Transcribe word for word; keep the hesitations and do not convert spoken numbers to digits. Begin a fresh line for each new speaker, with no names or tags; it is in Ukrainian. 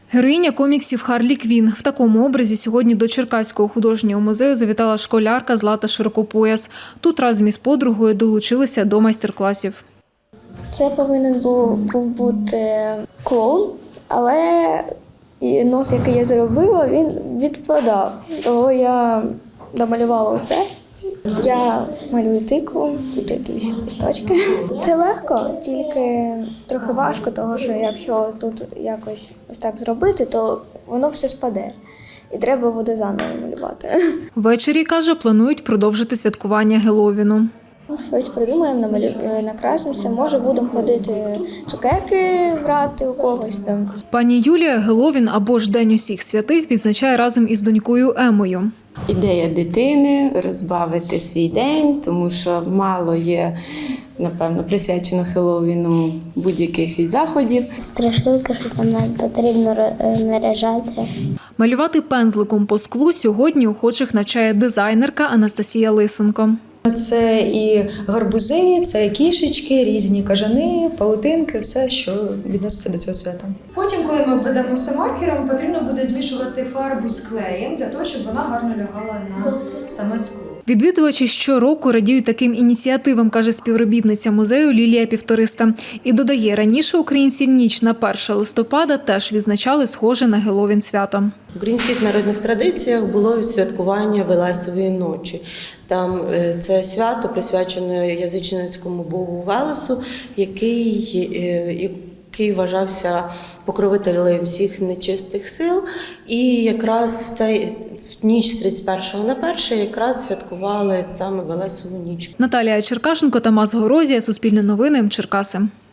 Героїня коміксів Харлі Квін. В такому образі сьогодні до Черкаського художнього музею завітала школярка Злата Широкопояс. Тут разом із подругою долучилися до майстер-класів.
Це повинен був, був бути клоун, але нос, який я зробила, він відпадав. Того я домалювала оце. Я малюю тикву, тут якісь листочки. Це легко, тільки трохи важко, тому що якщо тут якось ось так зробити, то воно все спаде. І треба буде заново малювати.
Ввечері, каже, планують продовжити святкування Геловіну.
Щось придумаємо, намалюємо, накрасимося, може будемо ходити цукерки брати у когось там.
Пані Юлія Геловін або ж День усіх святих відзначає разом із донькою Емою.
Ідея дитини – розбавити свій день, тому що мало є, напевно, присвячено Хеллоуіну будь-яких із заходів.
Страшилки, щось там нам потрібно наряжатися.
Малювати пензликом по склу сьогодні охочих навчає дизайнерка Анастасія Лисенко.
Це і гарбузи, це і кішечки, різні кажани, паутинки, все, що відноситься до цього свята.
Потім, коли ми введемо все маркером, потрібно буде змішувати фарбу з клеєм, для того, щоб вона гарно лягала на саме скло.
Відвідувачі щороку радіють таким ініціативам, каже співробітниця музею Лілія Півториста. І додає, раніше українці ніч на перше листопада теж відзначали схоже на Геловін свято.
В українських народних традиціях було святкування Велесової ночі. Там це свято присвячено язичницькому богу Велесу, який, який вважався покровителем всіх нечистих сил. І якраз в цей в ніч з тридцять першого на перше якраз святкували саме Велесову ніч.
Наталія Черкашенко, Тамас Горозія, Суспільне новини, Черкаси.